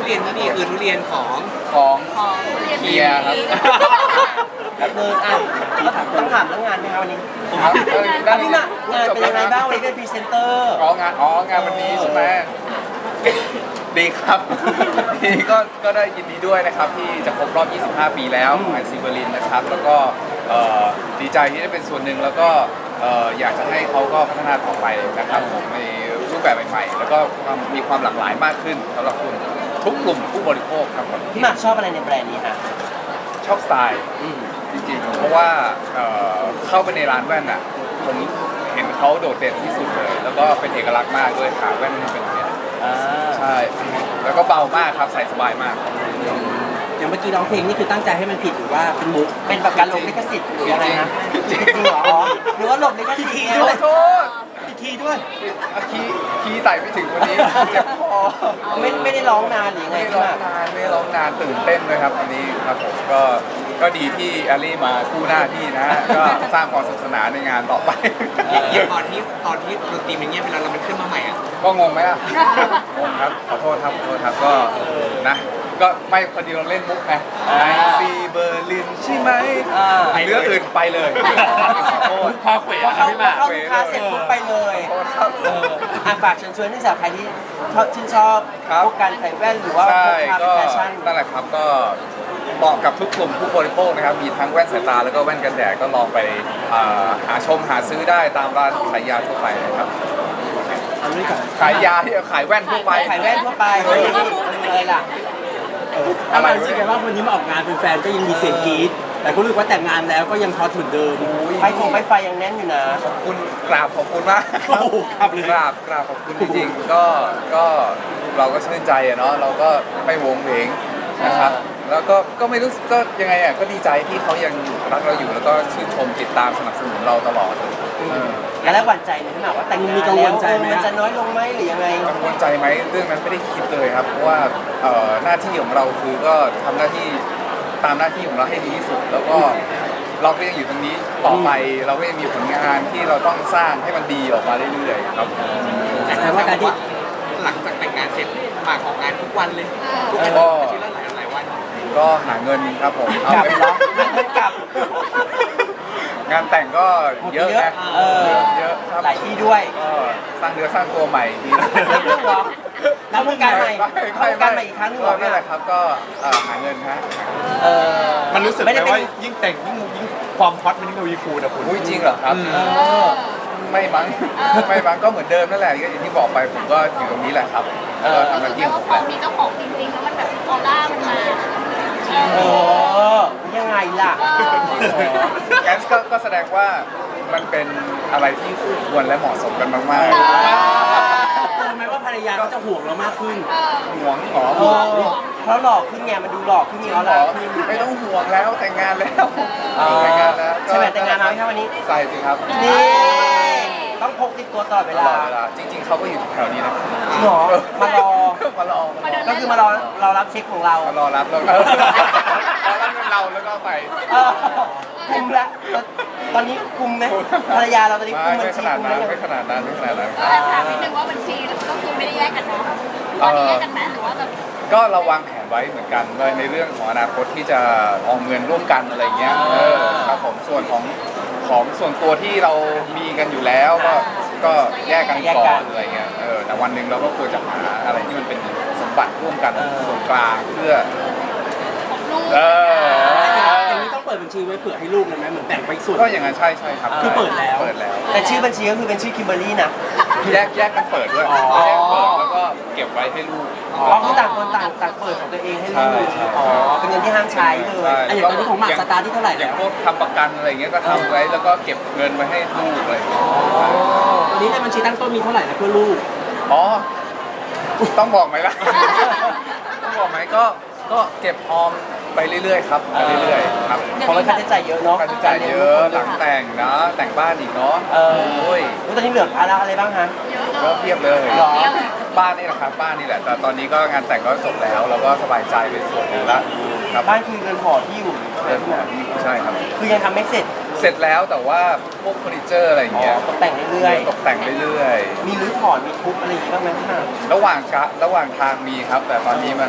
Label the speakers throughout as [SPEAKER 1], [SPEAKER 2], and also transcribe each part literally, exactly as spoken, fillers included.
[SPEAKER 1] เรียนที่นี่คือทุเรียนของ
[SPEAKER 2] ของ
[SPEAKER 3] ของ
[SPEAKER 2] เคียร์ครับ
[SPEAKER 4] แบบเดินอ่ะต้องถามเรื่องงานไหมครับวันนี้
[SPEAKER 2] ครับ
[SPEAKER 4] อ่ะพี่หมากงานเป็นยังไงบ้างวันนี้เป็นพรีเซนเตอร์
[SPEAKER 2] อ๋องานอ๋องานวันนี้ใช่ไหมดีครับดีก็ก็ได้ยินดีด้วยนะครับที่จะครบรอบ ยี่สิบห้า ปีแล้วของแอนซีเบอร์ลินนะครับแล้วก็เอ่อดีใจที่ได้เป็นส่วนหนึ่งแล้วก็เอ่ออยากจะให้เขาก็พัฒนาต่อไปนะครับผมในรูปแบบใหม่ๆแล้วก็ความมีความหลากหลายมากขึ้นสำหรับคุณทุกกลุ่มผู้บริโภคครับผม
[SPEAKER 4] พี่หมากชอบอะไรในแบรนด์นี้ฮะ
[SPEAKER 2] ชอบสไตล์จริงๆเพราะว่าเอ่อเข้าไปในร้านแว่นอ่ะผมเห็นเขาโดดเด่นที่สุดเลย แล้วก็เป็นเอกลักษณ์มากด้วยขาแว่นมันเป็นอย่างนี้
[SPEAKER 4] อ่า
[SPEAKER 2] ใช่ แล้วก็เบามากครับใส่สบายมาก
[SPEAKER 5] อย่างเมื่อกี้ร้องเพลงนี่คือตั้งใจให้มันผิดหรือว่าเป็นมุก
[SPEAKER 4] เป็นแบบการหลบลิขสิทธิ์หรืออะไรนะจริงเหรออ๋อหรือว่าหลบลิขสิทธิ์
[SPEAKER 2] ขอโทษ
[SPEAKER 4] อีกทีด้วย
[SPEAKER 2] อ่ะคีย์คีย์ไต่ไม่ถึงวันนี้เจ็บคอ
[SPEAKER 4] ไม่ไม่ได้ร้องนานหรือยังไง
[SPEAKER 2] ไม่
[SPEAKER 4] พี่
[SPEAKER 2] ร้
[SPEAKER 4] ห
[SPEAKER 2] อ
[SPEAKER 4] มาง ก
[SPEAKER 2] นานไม่ร้องนานตื่นเต้นเลยครับวันนี้ครับผมก็ก็ดีที่แอลลี่มาคู่หน้าที่นะฮะก็สร้างความสนุกสนานในงานต่อไป
[SPEAKER 1] อย่างตอนที่ตอนที่ดนตรีมันเงียบไปแล้วเรามันขึ้นมาใหม่อ่ะ
[SPEAKER 2] ก็งงไหมล่ะงงครับขอโทษครับขอโทษครับก็นะก็ไม่พอดีเราเล่นมุกไงไอซีเบอร์ลินใช่ไหม
[SPEAKER 4] อ่า
[SPEAKER 2] เรื่องอื่นไปเลยขอโทษ
[SPEAKER 5] พอเขว
[SPEAKER 4] พอเข้าพอเข้าลูกค้าเสร็จปุ๊บไปเลย
[SPEAKER 2] ขอโทษครับ
[SPEAKER 4] เอออ่ะฝากเชิญชวนให้สาวใครที่ชอบชื่นชอบ
[SPEAKER 2] ครับ
[SPEAKER 4] พวกการใส่แว่นหรือว่าพ
[SPEAKER 2] ใช่
[SPEAKER 4] วกภาพ
[SPEAKER 2] ก็
[SPEAKER 4] แฟชั่น
[SPEAKER 2] นั่นแหละครับก็เหมาะกับทุกกลุ่มผู้บริโภคนะครับมีทั้งแว่นสายตาแล้วก็แว่นกันแดดก็ลองไปอ่าหาชมหาซื้อได้ตามร้านขายยาทั่วไปนะครับ
[SPEAKER 5] เอาด้วยกัน
[SPEAKER 2] ขายยาที่ขายแว่นทั่วไป
[SPEAKER 4] ขายแว่นทั่วไปอะไรล่ะ
[SPEAKER 5] อะไรรู้สึกไงว่าวันนี้มาออกงานเป็นแฟนก็ยังมีเสียงกรี๊ดแต่ก็รู้สึกว่าแต่งงานแล้วก็ยังฮอตเหมือนเดิม
[SPEAKER 4] ไฟฟงไฟไฟยังแน่นอยู่นะ
[SPEAKER 2] ขอบคุณกราบขอบคุณมาก
[SPEAKER 5] โอ้โหครับเลย
[SPEAKER 2] กราบกราบขอบคุณจริงๆก็ก็เราก็ชื่นใจอะเนาะเราก็ไม่วงเวงนะครับแล้วก็ก็ไม่รู้สึกก็ยังไงอ่ะก็ดีใจที่เขายังรักเราอยู่แล้วก็ชื่นชมติดตามสนับสนุนเราตลอดเออ
[SPEAKER 4] แล้วหวั่นใจไหมพี่หมากว่าแต่งงานแล้วเออมันจะน้อยลงไหมหรือยังไง
[SPEAKER 2] กังวลใจไหมเรื่องนั้นไม่ได้คิดเลยครับเพราะว่าเอ่อหน้าที่ของเราคือก็ทำหน้าที่ตามหน้าที่ของเราให้ดีที่สุด แล้วก็เราก็ยังอยู่ตรงนี้ต่อไปเราก็ยังมีผลงานที่เราต้องสร้างให้มันดีออกมาเรื่อยๆครับ
[SPEAKER 5] แต่ว่าการที่
[SPEAKER 1] หลังจากแต่งงานเสร็จหมากของงานทุกวันเลยทุกอาทิตย์
[SPEAKER 2] ก็
[SPEAKER 1] อาทิตย์ละหลายหลายวัน
[SPEAKER 2] ก็หาเงินครับผมเอา
[SPEAKER 4] กลับ
[SPEAKER 2] ไป
[SPEAKER 4] เหรอมันกลับ
[SPEAKER 2] งานแต่งก็เยอะนะ
[SPEAKER 4] เออ
[SPEAKER 2] เยอะครับ
[SPEAKER 4] หลายที่ด้วย
[SPEAKER 2] ก็สร้างเนื้อสร้างตัวใหม่ดี
[SPEAKER 4] แล้วเรื่องเหรอแล้ววงการใหม่เข้าวงการใหม่อีกครั้งหนึงเหรอ
[SPEAKER 2] นี่แหละครับก็เอ่อหาเงินฮะ
[SPEAKER 4] เออ
[SPEAKER 6] มันรู้สึกไห
[SPEAKER 4] ไม่
[SPEAKER 6] ม
[SPEAKER 4] ได้เป็
[SPEAKER 6] ว่าน ยิ่งแต่งยิ่งยิ่งความฮอตมันยิ่งทวีคูณอะคุณ
[SPEAKER 2] อุ้ยจริงเหรอครับ
[SPEAKER 4] เออ
[SPEAKER 2] ไม่มั้งไม่มั้งก็เหมือนเดิมนั่นแหละก็อย่างที่บอกไปผมก็อยู่ตรงนี้แหละครับ
[SPEAKER 4] เออ
[SPEAKER 2] ก็ทำหน้าที่
[SPEAKER 3] แต่
[SPEAKER 2] ข
[SPEAKER 3] ว่า
[SPEAKER 2] อง
[SPEAKER 3] พ
[SPEAKER 2] ผ
[SPEAKER 3] อ
[SPEAKER 2] ม
[SPEAKER 3] มีเจ้าของจริงๆแล้วมันแบบออร่ามันมา
[SPEAKER 4] เออยังไงล่ะ
[SPEAKER 2] งั้นก็ก็แสดงว่ามันเป็นอะไรที่คู่ควรและเหมาะสมกันมาก
[SPEAKER 5] เออไหมว่าภรรยาเขาจะห่วงเรามากขึ้น
[SPEAKER 2] ๆห่วงหรอ
[SPEAKER 4] เออเพราะหลอกขึ้นไงมันดูหลอกขึ้นไงเขาหลอกขึ้น
[SPEAKER 2] ไม่ต้องห่วงแล้วแต่งงานแล้ว
[SPEAKER 4] อ๋อ
[SPEAKER 2] แต่งงานแล้ว
[SPEAKER 4] ใช่ไหมแต่งงานมาไหมครับวันนี้
[SPEAKER 2] ใส่สิครับ
[SPEAKER 4] นี่ ต้องพกติดตัวตลอดเว
[SPEAKER 2] ต
[SPEAKER 4] ลา
[SPEAKER 2] ลอดเวลาจริง ๆเขาก็อยู่แถวนี้นะ
[SPEAKER 4] จริงเหรอมารอ
[SPEAKER 2] มารอ
[SPEAKER 3] มาเดิน
[SPEAKER 4] ก็คือมารอรอรับเช็คของเรา
[SPEAKER 2] มารอรับแล้วก็รอรับเงินเราแล้วก็ไป
[SPEAKER 4] เออคุมแล้วตอนนี้คุมไหมภรรยาเราตอนนี้คุ
[SPEAKER 2] ไม่
[SPEAKER 4] มบัญ
[SPEAKER 2] ไม่ข
[SPEAKER 4] ชี
[SPEAKER 2] นาด
[SPEAKER 4] คุม
[SPEAKER 2] นั้
[SPEAKER 4] ได้
[SPEAKER 2] น
[SPEAKER 4] ยัง
[SPEAKER 2] ไม่ขนาดนั้นไม่ขนาดนั้น
[SPEAKER 3] ก็แอบถามนิดนึงว่าบัญชีก็คือไม่ได้แยกกันเนาะตอนนี้แยกกันไหมหรือว่าแบบ
[SPEAKER 2] ก็เราวางแผนไว้เหมือนกันว่าในเรื่องของอนาคตที่จะออมเงินร่วมกันอะไรเงี้ยเออครับผมส่วนของของส่วนตัวที่เรามีกันอยู่แล้วก็ก็แยกกันก่อนอะไรเงี้ยเออแต่วันหนึ่งเราก็ควรจะหาอะไรที่มันเป็นสมบัติร่วมกันส่วนกลางเพื่อ
[SPEAKER 3] ของลูก
[SPEAKER 2] เออ
[SPEAKER 5] อย่างนี้ต้องเปิดบัญชีไว้เผื่อให้ลูกเลยไหมเหมือนแบ่งไปส่วน
[SPEAKER 2] ก็อย่างนั้นใช่ใช่ครับ
[SPEAKER 5] คือเปิดแล้ว
[SPEAKER 2] เปิดแล้ว
[SPEAKER 4] แต่ชื่อบัญชีก็คือเป็นชื่อคิมเบอร์รี่นะ
[SPEAKER 2] แยกแยกกันเปิดด้วย
[SPEAKER 5] อ๋อ
[SPEAKER 2] แยกเปิดแล้วก็เก็บไว้ให้ลูก
[SPEAKER 4] อ๋อคือต่างคนต่างต่างเปิดของตัวเองให้ลูก
[SPEAKER 2] ใช่ใช่
[SPEAKER 4] อ๋อเป็นเงินที่ห้ามใช้เล
[SPEAKER 2] ใช่
[SPEAKER 4] ย
[SPEAKER 5] อ่ะอย่างตอนนี้ของหมากสตาร์ทที่เท่าไหร่
[SPEAKER 2] อ
[SPEAKER 5] แล้
[SPEAKER 2] ย่าง
[SPEAKER 5] ว
[SPEAKER 2] พวกทำประกันอะไรอย่างเงี้ยก็ทำไว้แล้วก็เก็บเงินไว้ให้ลูกอะไรอย่างเงี้ย
[SPEAKER 5] ตอนนี้ในบัญชีตั้งต้นมีเท่าไหร่นะเพื่อลูก
[SPEAKER 2] อ๋อต้องบอกไหมล่ะ ต้องบอกไหมก็ก็เก็บออมไปเรื่อยๆครับไปเรื่อยๆครับ
[SPEAKER 4] เพราะว่าค่าใช้จ่ายเยอะเนาะ
[SPEAKER 2] ค่าใช้จ่ายเยอะหลังแต่งนะแต่งบ้านอีกเนาะ
[SPEAKER 4] เออ
[SPEAKER 2] โอ้ย
[SPEAKER 4] แล้วตอนนี้เหลือภาระอะไรบ้างฮะ
[SPEAKER 3] เยอะ
[SPEAKER 2] ก็
[SPEAKER 3] เนาะ
[SPEAKER 2] เพียบเลย
[SPEAKER 4] หรอ
[SPEAKER 2] บ้านนี่แหละครับบ้านนี่แหละแต่ตอนนี้ก็งานแต่งก็จบแล้วเราก็สบายใจไปส่วนหนึ่งละครับ
[SPEAKER 4] บ้านคือเรือนหอที่อยู่
[SPEAKER 2] เรื่องของใช่ครับ
[SPEAKER 4] คือยังทำไม่เสร็จ
[SPEAKER 2] เสร็จแล้วแต่ว่าพวกเฟอร์นิเจอร์อะไรอย่าง
[SPEAKER 4] อ๋อ
[SPEAKER 2] เงี้ย
[SPEAKER 4] ตกแต่งเรื่อย
[SPEAKER 2] ตกแต่งเรื่อย
[SPEAKER 4] ๆมีรื้อถอนมีทุบอะไรอย่างงี้บ้างไหมพี่หมาก
[SPEAKER 2] ๆระหว่างกะระหว่างทางมีครับ แต่ตอนนี้มัน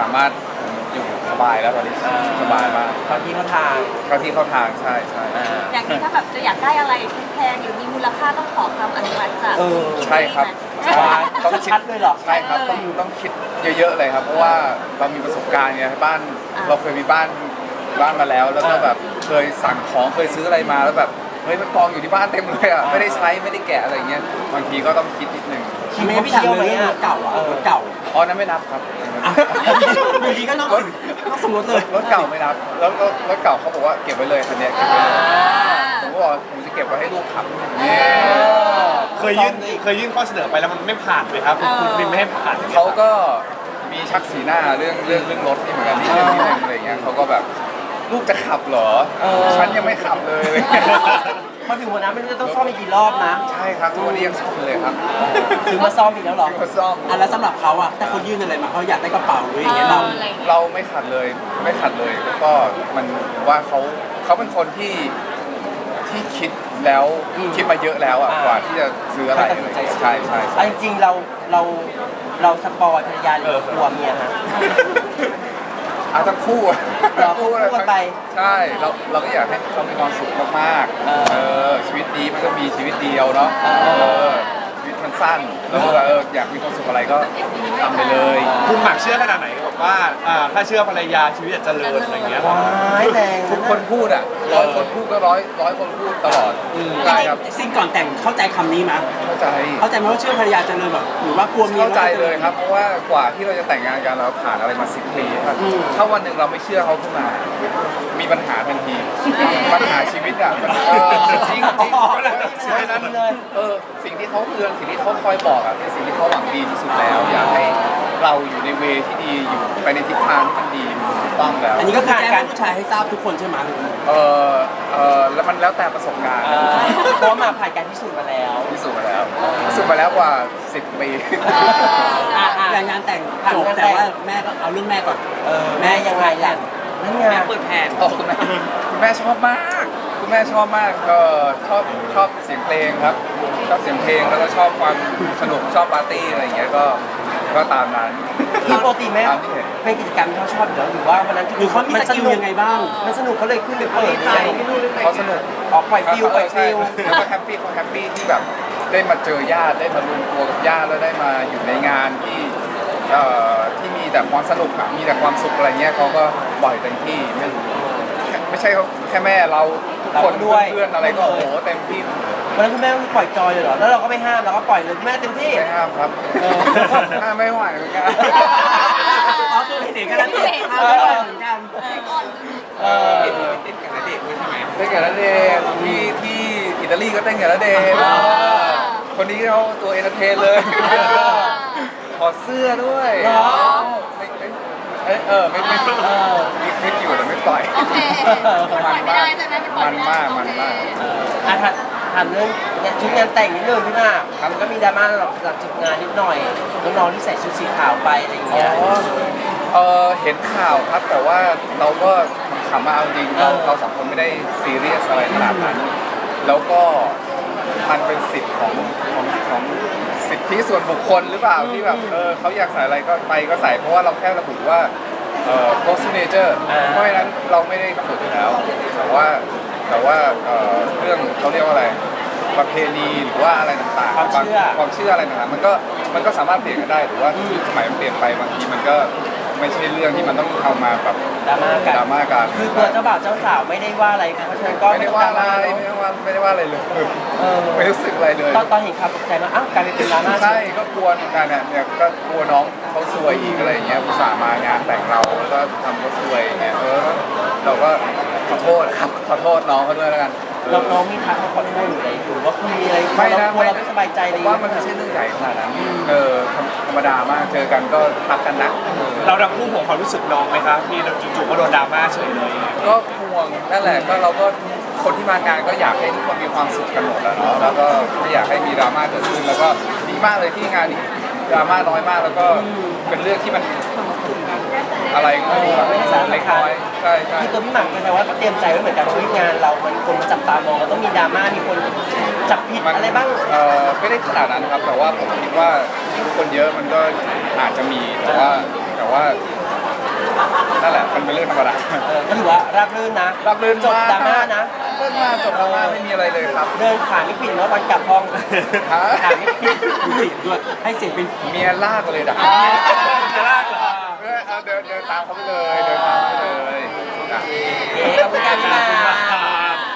[SPEAKER 2] สามารถอยู่สบายแล้วตอนนี้สบายมาก
[SPEAKER 4] บางทีเขาทาง
[SPEAKER 2] เข้าที่เข้าทางใช่ใช่
[SPEAKER 4] อ่า
[SPEAKER 3] อย่างนี้ถ้าแบบจะอยากได้อะไรแพงหรือมีมูลค่าต้องขอคำอนุมัติจาก
[SPEAKER 4] เออ
[SPEAKER 2] ใช่ครับ
[SPEAKER 3] ใช่
[SPEAKER 2] ใช่ต้องคิด
[SPEAKER 4] ชัดเลยเหรอ
[SPEAKER 2] ใช่ครับต้องต้องคิดเยอะๆเลยครับ เพราะว่าเรามีประสบการณ์ไงบ้านเราเคยมีบ้านบ้านมาแล้ว แล้วก็แบบเคยสั่งของเคยซื้ออะไรมาแล้วแบบเฮ้ยมันกองอยู่ที่บ้านเต็มเลยอ่ะไม่ได้ใช้ไม่ได้แกะอะไรอย่างเงี้ยบางทีก็ต้องคิดนิดนึง
[SPEAKER 5] ทีนี้พี่ถามเลยเรื่องรถเก่าอ่ะรถเก่า
[SPEAKER 2] อ๋อนั้นไม่นับครับ
[SPEAKER 5] อ่ะอยู่ดีก็นอกสินอกสมรสเลย
[SPEAKER 2] รถเก่าไม่นับแล้วรถรถเก่าเขาบอกว่าเก็บไว้เลยคันเนี้ยเก็บไว้เลยผมก็บอกผมจะเก็บไว้ให้ลูกขับเนี่ย
[SPEAKER 6] เคยยื่นเคยยื่นข้อเสนอไปแล้วมันไม่ผ่านไหมครับคุณคุณบินไม่ให้ผ่าน
[SPEAKER 2] เขาก็มีชักสีหน้าเรื่องเรื่องเรื่องรถนี่เหมือนกันนิดนึงนิดนึงอะไรเงี้ยเขาก็แบบลูกจะขับเหรอ
[SPEAKER 4] เออ
[SPEAKER 2] ฉันยังไม่ขับเลยอะไรเงี้ย
[SPEAKER 4] พอถึงวันนั้นไม่รู้จะต้องซ่อมอีกกี่รอบนะ
[SPEAKER 2] ใช่ครับทุกวันนี้ยังซ่อมเลยครับ
[SPEAKER 4] ซื้อมาซ่อมอีกแล้วเหรอ
[SPEAKER 2] ซื้อมาซ่อม
[SPEAKER 5] อ่ะแล้วสำหรับเขาอ่ะถ้าคนยื่นอะไรมาเขาอยากได้กระเป๋าหรืออย่างเงี้ยเรา
[SPEAKER 3] อออะไรอย่างเงี้ย
[SPEAKER 2] เราไม่ขัดเลยไม่ขัดเลยแล้วก็มันว่าเขาเขาเป็นคนที่ที่คิดแล้ว
[SPEAKER 4] อืม
[SPEAKER 2] คิดมาเยอะแล้วอ่ะ
[SPEAKER 4] อ่าก
[SPEAKER 2] ว่าที่จะซื้ออะไรอะไรเงี้ยใช่ใช่
[SPEAKER 4] เอาจริงๆเราเราเราสปอยภรรยาหรือกลัวเมียฮะ
[SPEAKER 2] อาทั้งคู่อะ
[SPEAKER 4] เหรอคู่กันไป
[SPEAKER 2] ใช่เราเราก็อยากให้เขามีความสุขมากๆ
[SPEAKER 4] เออ
[SPEAKER 2] เออชีวิตนี้มันก็มีชีวิตเดียวเนาะ
[SPEAKER 4] เออ
[SPEAKER 2] เออชีวิตมันสั้นแล้วก็เอออยากมีความสุขอะไรก็ทำไปเลย
[SPEAKER 6] คุณหมักเชื่อขนาดไหนบอกว่าอ่าถ้าเชื่อภรรยาชีวิตจะเจริญอะไรอย่างเงี้ย
[SPEAKER 4] ว้ายแรง
[SPEAKER 2] ทุกคนพูดอ่ะร้อยคนพูดก็ร้อยร้อยคนพูดตลอดใช่ครับ
[SPEAKER 5] สิ่งก่อนแต่งเข้าใจคำนี้มั้ย
[SPEAKER 2] เข้าใจ
[SPEAKER 5] เข้าใจไหมว่าเชื่อภรรยาเจริญแบบหรือว่ากลัวเมีย
[SPEAKER 2] เข้าใจเลยครับ เพราะว่ากว่าที่เราจะแต่งงานกันเราผ่านอะไรมาสิบปีครับถ้าวันหนึ่งเราไม่เชื่อเขาขึ้นมา มีปัญหาทันทีปัญหาชีวิตอ่ะมันเออจริงจริงใช่นั้นเออสิ่งที่เขาเตือนสิ่งที่เขาคอยบอกอ่ะเป็นสิ่งที่เขาหวังดีที่สุดแล้ว อยากให้เราอยู่ในเวที่ดีอยู่ไปในทิศทางที่มันดีถูกต้องแล้ว
[SPEAKER 5] อันนี้ก็คือแจ้งให้ผู้ชายให้ทราบทุกคนใช่ไหม
[SPEAKER 2] เออเออแล้วมันแล้วแต่ประสบการณ์
[SPEAKER 4] อ่าเพราะว่ามาผ่านการพิสูจน์มาแล้ว
[SPEAKER 2] พิสูจน์มาแล้วพิสูจน์มาแล้วกว่าสิบปี
[SPEAKER 4] อ่ะอ่ะ
[SPEAKER 5] แต่งานแต่งจบแต่ว่าแม่ก็เอาเรื่องแม่ก่อน
[SPEAKER 4] เออแม่ยังไงล่ะนั่นไง
[SPEAKER 5] เปิดแผน
[SPEAKER 2] โอ้คุณแม่คุณแม่ชอบมากคุณแม่ชอบมากก็ชอบชอบเสียงเพลงครับ ชอบเสียงเพลงแล้วก็ชอบความสนุกชอบปาร์ตี้อะไรอย่างเงี้ยก็ก็ตามนั้น
[SPEAKER 4] คือปกติแม่
[SPEAKER 2] ตามที่เห็น
[SPEAKER 4] เป็นกิจกรรมที่เขาชอบอยู่แล้วหรือว่าวันนั้น
[SPEAKER 5] หรือเขามีสกิลยังไงบ้าง
[SPEAKER 4] มันสนุกเขาเลยขึ้นไปเปิดยังไง
[SPEAKER 2] เขาสนุก
[SPEAKER 4] ออกปล่อยฟิลปล่อยฟิล
[SPEAKER 2] แล้วก็แฮปปี้เขาแฮปปี้ที่แบบได้มาเจอญาติได้มารวมตัวกับญาติแล้วได้มาอยู่ในงานที่เอ่อที่มีแต่ความสนุกอะมีแต่ความสุขอะไรเงี้ยเขาก็ปล่อยเต็มที่ไม่ไม่ใช่แค่แม่เราทุกคนด้วยเพื่อนๆอะไรก็โอ้โหเต็มที่
[SPEAKER 4] วันนั้นคุณแม่ก็ปล่อยจอยเลยเหรอแล้วเราก็ไม่ห้ามเราก็ปล่อยเลยคุณแม่เต็มที่
[SPEAKER 2] ไม่ห้ามครับ
[SPEAKER 4] เออ
[SPEAKER 2] ห้ามไม่ไหวเหมือนกัน
[SPEAKER 5] อ๋อคือเสียงกันแล้วเองเอาไม่ไหวเหมือนกัน
[SPEAKER 4] เออ
[SPEAKER 1] เต้นกับณเดชน์ด้วยใช่ไหม
[SPEAKER 2] เต้นกับณเดชน์ที่ที่อิตาลีก็เต้นกับณเดชน์
[SPEAKER 4] อ๋อ
[SPEAKER 2] คนนี้เขาตัวเอนเตอร์เทนเลยถอดเสื้อด้วย
[SPEAKER 4] เหรอ
[SPEAKER 2] ไม่ไม่เอ้ยเออไม่ไม่
[SPEAKER 4] เออ
[SPEAKER 2] มีคลิปอยู่แต่ไม่ปล่อย
[SPEAKER 3] โอเคมันปล่อยไม่ได้ใช่ไหมมันปล่อย
[SPEAKER 2] มัน
[SPEAKER 3] ไม่ได้
[SPEAKER 2] มากมันมาก
[SPEAKER 4] เอออ่ะถามถามเรื่องเนี่ยชุดงานแต่งนิดนึงพี่มากมันก็มีดราม่าหลังจากจบงานนิดหน่อยน้องๆที่ใส่ชุดสีขาวไปอะไรอย่าง
[SPEAKER 2] อ๋
[SPEAKER 4] เงี้ย
[SPEAKER 2] อเออเห็นข่าวครับแต่ว่าเราก็ขำมาเอาจริงเรา
[SPEAKER 4] เออ
[SPEAKER 2] เราสองคนไม่ได้ซีเรียสอะไรขนาดนั้น แล้วก็มันเป็นสิทธิ์ของของของสิทธิส่วนบุคคลหรือเปล่าที่แบบเออเขาอยากใส่อะไรก็ไปก็ใส่เพราะว่าเราแค่ระบุว่าเอ่อ post signature เพราะฉะนั้นเราไม่ได้กำหนดอยู่แล้ว แต่ว่าแต่ว่าเอ่อเรื่องเขาเรียกว่าอะไรประเพณีหรือว่าอะไรต่างๆ
[SPEAKER 4] ความเชื่อ
[SPEAKER 2] ความเชื่ออะไรต่างๆมันก็มันก็สามารถเปลี่ยนกันได้หรือว่ายุคสมัยมันเปลี่ยนไปบางทีมันก็ไม่ใช่เรื่องที่มันต้องเอามาแบบ
[SPEAKER 4] ดราม่ากัน
[SPEAKER 2] ดราม่ากัน
[SPEAKER 4] คือตัวเจ้าบ่าวเจ้าสาวไม่ได้ว่าอะไรเพราะฉะนั้นก็
[SPEAKER 2] ไม่ได้ว่าอะไรไม่ได้ว่าไม่ได้ว่าอะไรเลย
[SPEAKER 4] เออ
[SPEAKER 2] ไม่รู้สึกอะไรเลย
[SPEAKER 4] ตอนตอนเห็นข่าวตกใจมากอ้าวกลายเป็นดราม่า
[SPEAKER 2] ใช่ก็กลัวเหมือนกันเนี่ยเนี่ยก็กลัวน้องเขาซวยอีกอะไรอย่างเงี้ยอุตส่าห์มางานแต่งเราแล้วก็ทำเขาซวยอย่างเงี้ยเออเราก็ขอโทษครับขอโทษน้องเขาด้วยแล้วกันเออ
[SPEAKER 4] น้องๆมีทักมาขอโทษหรืออะไรหรือว่าคุณมีอะไร
[SPEAKER 2] ไม่นะ
[SPEAKER 4] กลัวเราไม่สบายใจ
[SPEAKER 2] ผ
[SPEAKER 4] เลย
[SPEAKER 2] มว่ามันไม่ใช่เรื่องใหญ่ขนาดนั้นเออธรรมดามากเจอกันก็ทักกันนะเออ
[SPEAKER 6] เราดังคู่ห่วงความรู้สึกน้องไหมครับที่จู่ๆก็โดนดราม่าเฉยเลย
[SPEAKER 2] ก็ห่วงนั่นแหละก็เราก็คนที่มางานก็อยากให้ทุกคนมีความสุขกันหมดแล้วเนาะแล้วก็ไม่อยากให้มีดราม่าเกิดขึ้นแล้วก็ดีมากเลยที่งานนี้ดราม่าน้อยมากแล้วก็เป็นเรื่องที่มันอะไรก็ไม่รู้อะเล็กน้อยใช่ใช่
[SPEAKER 4] คือตัวพี่หม่ำก็แสดงว่าก็เตรียมใจไว้เหมือนกันว่าเฮ้ยงานเรามันคนมาจับตามองมันต้องมีดราม่ามีคนจับผิด
[SPEAKER 2] มัน
[SPEAKER 4] อะไรบ้าง
[SPEAKER 2] เอ่อไม่ได้ขนาดนั้นครับแต่ว่าผมคิดว่าคนเยอะมันก็อาจจะมีแต่ว่าแต่ว่าเป็นเรื่องธรรมดา
[SPEAKER 4] เออก็ถือว่าราบรื่นนะ
[SPEAKER 2] รับรื่น
[SPEAKER 4] จบดราม่านะ
[SPEAKER 2] เรื่องมากจบดราม่าไม่มีอะไรเลยครับ
[SPEAKER 4] เดินขาไม่ปิดแล้ววันกลับห้อง
[SPEAKER 2] ฮะ
[SPEAKER 4] ขาไม่ปิด
[SPEAKER 5] มีเสียงด้วยให้เสียงเป็น
[SPEAKER 2] เมียลากเลยดัก
[SPEAKER 6] จะลากเหรอ
[SPEAKER 2] เออเอาเดินเดินตามเขาไปเลย